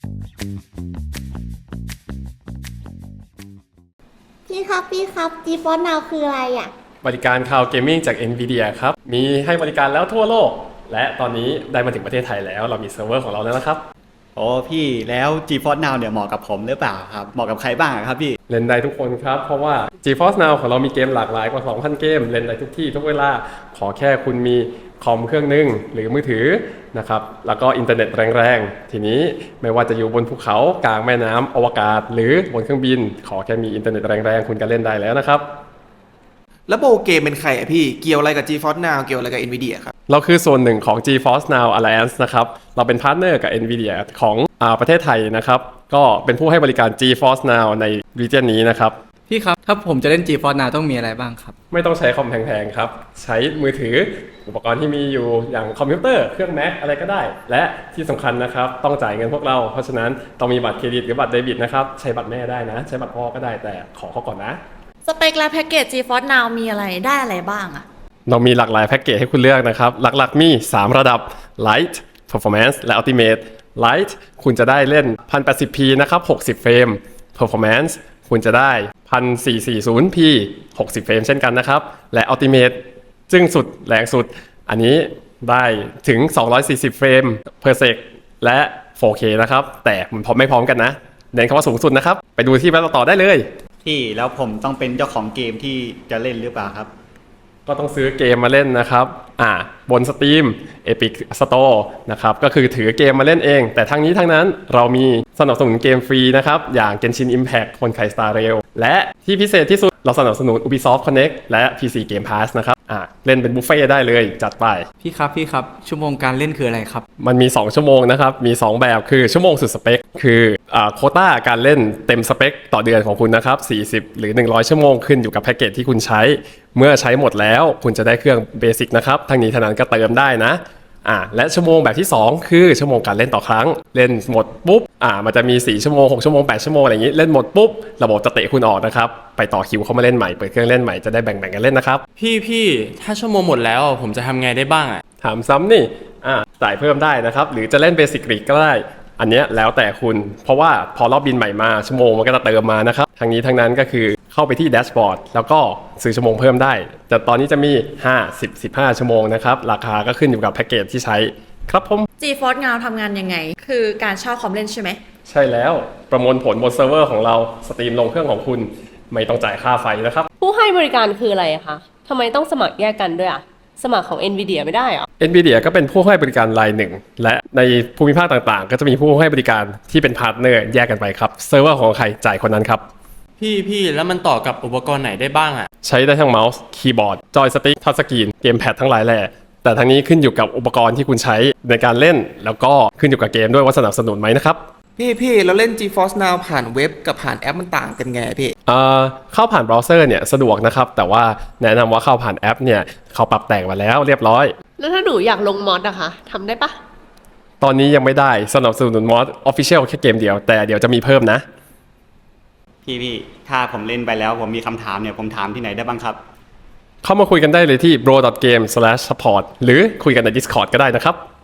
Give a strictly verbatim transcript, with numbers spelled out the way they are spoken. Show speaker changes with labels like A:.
A: พี่ครับพี่ครับ GeForce Now คืออะไรอ่ะ
B: บริการคลาวด์เกมมิ่งจาก NVIDIA ครับมีให้บริการแล้วทั่วโลกและตอนนี้ได้มาถึงประเทศไทยแล้วเรามีเซิร์ฟเวอร์ของเราแล้วนะครับ
C: โอ้พี่แล้ว GeForce Now เนี่ยเหมาะกับผมหรือเปล่าครับเหมาะกับใครบ้างครับพี่
B: เล่นได้ทุกคนครับเพราะว่า GeForce Now ของเรามีเกมหลากหลายกว่า สองพัน เกมเล่นได้ทุกที่ทุกเวลาขอแค่คุณมีคอมเครื่องนึงหรือมือถือนะครับแล้วก็อินเทอร์เน็ตแรงๆทีนี้ไม่ว่าจะอยู่บนภูเขากลางแม่น้ำอวกาศหรือบนเครื่องบินขอแค่มีอินเทอร์เน็ตแรงๆคุณก็เล่นได้แล้วนะครับ
D: แล้วโบเกมเป็นใครอะพี่เกี่ยวอะไรกับ GeForce Now เกี่ยวอะไรกับ NVIDIA ครับ
B: เราคือส่วนหนึ่งของ GeForce Now Alliance นะครับเราเป็นพาร์ทเนอร์กับ NVIDIA ของอ่าประเทศไทยนะครับก็เป็นผู้ให้บริการ GeForce Now ใน region นี้นะครับ
E: พี่ครับถ้าผมจะเล่น GeForce Now ต้องมีอะไรบ้างครับ
B: ไม่ต้องใช้คอมแพงๆครับใช้มือถืออุปกรณ์ที่มีอยู่อย่างคอมพิวเตอร์เครื่อง Mac อะไรก็ได้และที่สำคัญนะครับต้องจ่ายเงินพวกเราเพราะฉะนั้นต้องมีบัตรเครดิตหรือบัตรเดบิตนะครับใช้บัตรแม่ได้นะใช้บัตรพ่อก็ได้แต่ขอเขาก่อนนะ
A: สเปคและแพ็กเกจ GeForce Now มีอะไรได้อะไรบ้างอะ
B: เรามีหลากหลายแพ็กเกจให้คุณเลือกนะครับหลักๆมีสามระดับ Lite Performance และ Ultimate Lite คุณจะได้เล่น หนึ่งพันแปดสิบพี นะครับหกสิบเฟรม Performance คุณจะได้ หนึ่งพันสี่ร้อยสี่สิบพี หกสิบเฟรมเช่นกันนะครับและ Ultimate จึงสุดแรงสุดอันนี้ได้ถึงสองร้อยสี่สิบเฟรม per sec และ โฟร์เค นะครับแต่มันพร้อมไม่พร้อมกันนะเน้นคำว่าสูงสุดนะครับไปดูที่แบ็คต่อได้เลย
C: พี่แล้วผมต้องเป็นเจ้าของเกมที่จะเล่นหรือเปล่าครับ
B: ก็ต้องซื้อเกมมาเล่นนะครับอ่าบน Steam Epic Store นะครับก็คือถือเกมมาเล่นเองแต่ทั้งนี้ทั้งนั้นเรามีสนับสนุนเกมฟรีนะครับอย่าง Genshin Impact คนไข่ Star Rail และที่พิเศษที่สุดเราสนับสนุน Ubisoft Connect และ พี ซี Game Pass นะครับอ่าเล่นเป็นบุฟเฟ่ได้เลยจัดไป
E: พี่ครับพี่ครับชั่วโมงการเล่นคืออะไรครับ
B: มันมีสองชั่วโมงนะครับมีสองแบบคือชั่วโมงสุดสเปคคืออ่าโควต้าการเล่นเต็มสเปคต่อเดือนของคุณนะครับสี่สิบหรือหนึ่งร้อยชั่วโมงขึ้นอยู่กับแพ็กเกจที่คุณใช้เมื่อใช้หมดแล้วคุณจะได้เครื่องเบสิกนะครับทั้งนี้ทั้งนั้นก็เติมได้นะอ่าและชั่วโมงแบบที่สองคือชั่วโมงการเล่นต่อครั้งเล่นหมดปุ๊บอ่ามันจะมีสี่ชั่วโมงหกชั่วโมงแปดชั่วโมงอะไรอย่างงี้เล่นหมดปุ๊บระบบจะเตะคุณออกนะครับไปต่อคิวเข้ามาเล่นใหม่เปิดเครื่องเล่นใหม่จะได้แบ่งๆกันเล่นนะครับ
F: พี่พี่ถ้าชั่วโมงหมดแล้วผมจะทำไงได้บ้างอ่ะ
B: ถามซ้ำนี่อ่าจ่ายเพิ่มได้นะครับหรือจะเล่นเบสิกรีกก็ได้อันเนี้ยแล้วแต่คุณเพราะว่าพอรอบบินใหม่มาชั่วโมงมันก็จะเติมมานะครับทั้งนี้ทั้งนั้นก็คือเข้าไปที่แดชบอร์ดแล้วก็ซื้อชั่วโมงเพิ่มได้แต่ตอนนี้จะมีห้า สิบ สิบห้าชั่วโมงนะครับราคาก็ขึ้นอยู่กับแพ็กเกจที่ใช้ครับผม
A: GeForce Now ทำงานยังไงคือการเช่าคอมเล่นใช่ไหม
B: ใช่แล้วประมวลผลบนเซิร์ฟเวอร์ของเราสตรีมลงเครื่องของคุณไม่ต้องจ่ายค่าไฟนะครับ
G: ผู้ให้บริการคืออะไรคะทำไมต้องสมัครแยกกันด้วยอ่ะสมัครของ NVIDIA ไม่ได้เหรอ
B: NVIDIA ก็เป็นผู้ให้บริการรายหนึ่งและในภูมิภาคต่างๆก็จะมีผู้ให้บริการที่เป็นพาร์ทเนอร์แยกกันไปครับเซิร์ฟเวอร์ของใครจ่ายคนนั้นครับ
F: พี่พี่แล้วมันต่อกับอุปกรณ์ไหนได้บ้างอ่ะ
B: ใช้ได้ทั้งเมาส์คีย์บอร์ดจอยสติ๊กทัชสกรีนเกมแพดทั้งหลายแหล่แต่ทั้งนี้ขึ้นอยู่กับอุปกรณ์ที่คุณใช้ในการเล่นแล้วก็ขึ้นอยู่กับเกมด้วยว่าสนับสนุนไหมนะครับ
D: พี่พี่เราเล่น GeForce Now ผ่านเว็บกับผ่านแอปมันต่างกันไงพี่
B: เอ่อเข้าผ่านเบราว์เซอร์เนี่ยสะดวกนะครับแต่ว่าแนะนำว่าเข้าผ่านแอปเนี่ยเขาปรับแต่งมาแล้วเรียบร้อย
G: แล้วถ้าหนูอยากลงมอดอะคะทำได้ปะ
B: ตอนนี้ยังไม่ได้สนับสนุนมอด Official แค่เกมเดียวแต่เดี๋ยวจะมีเพิ่มนะ
C: พี่พี่ถ้าผมเล่นไปแล้วผมมีคำถามเนี่ยผมถามที่ไหนได้บ้างครับ
B: เข้ามาคุยกันได้เลยที่ bro ดอท เกม สแลช ซัพพอร์ต หรือคุยกันใน Discord ก็ได้นะครับ